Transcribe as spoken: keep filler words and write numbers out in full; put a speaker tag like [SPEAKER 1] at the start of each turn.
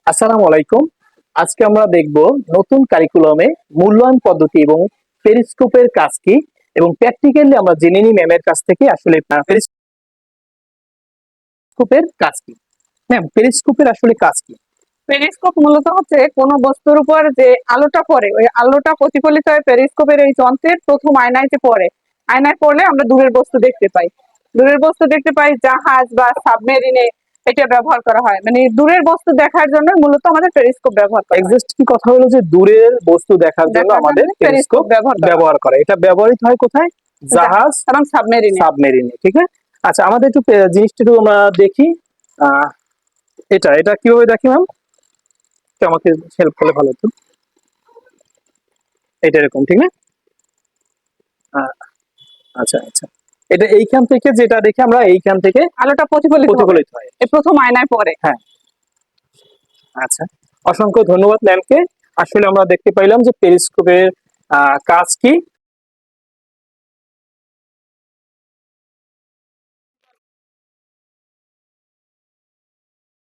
[SPEAKER 1] আসসালামু আলাইকুম। আজকে আমরা দেখব নতুন কারিকুলামে মূল্যায়ন পদ্ধতি এবং পেরিস্কোপের কাজ কি, এবং প্র্যাকটিক্যালি আমরা জেনে নিই ম্যামের কাছ থেকে আসলে পেরিস্কোপের কাজ কি। ম্যাম, পেরিস্কোপের আসলে কাজ কি?
[SPEAKER 2] পেরিস্কোপ মূলত হচ্ছে কোন বস্তুর উপর যে আলোটা পড়ে, ওই আলোটা প্রতিফলিত হয়ে পেরিস্কোপের এই যন্ত্রের প্রথম আয়নায় যে পড়ে, আয়নায় পড়লে আমরা দূরের বস্তু দেখতে পাই। দূরের বস্তু দেখতে পাই জাহাজ বা সাবমেরিনে এটা ব্যবহার করা হয়, মানে দূরের বস্তু দেখার জন্য মূলত আমাদের পেরিস্কোপ ব্যবহার করা হয়।
[SPEAKER 1] এক্সাক্ট কি কথা হলো যে দূরের বস্তু দেখার জন্য
[SPEAKER 2] দেখার
[SPEAKER 1] আমাদের
[SPEAKER 2] জন্য
[SPEAKER 1] পেরিস্কোপ
[SPEAKER 2] পেরিস্কোপ ব্যবহার করা হয়।
[SPEAKER 1] ব্যবহার করে। এটা ব্যবহৃত হয় কোথায়? জাহাজ
[SPEAKER 2] এবং সাবমেরিনে।
[SPEAKER 1] সাবমেরিনে, ঠিক আছে। আচ্ছা, আমাদের একটু পে- জিনিসটা একটু আমরা দেখি। আহ, এটা এটা কিভাবে দেখি ম্যাম? একটু আমাকে হেল্প করলে ভালো হতো। এটা এরকম, ঠিক না? আহ, আচ্ছা আচ্ছা, এটা এইখান থেকে যেটা দেখে আমরা এইখান থেকে
[SPEAKER 2] আলোটা প্রতিফলিত হবে,
[SPEAKER 1] প্রতিফলিত হয়।
[SPEAKER 2] এই প্রথম আয়নায় পড়ে।
[SPEAKER 1] হ্যাঁ, আচ্ছা, অসংখ্য ধন্যবাদ ম্যামকে। আসলে আমরা দেখতে পাইলাম যে পেরিস্কোপের আহ, কাজ কি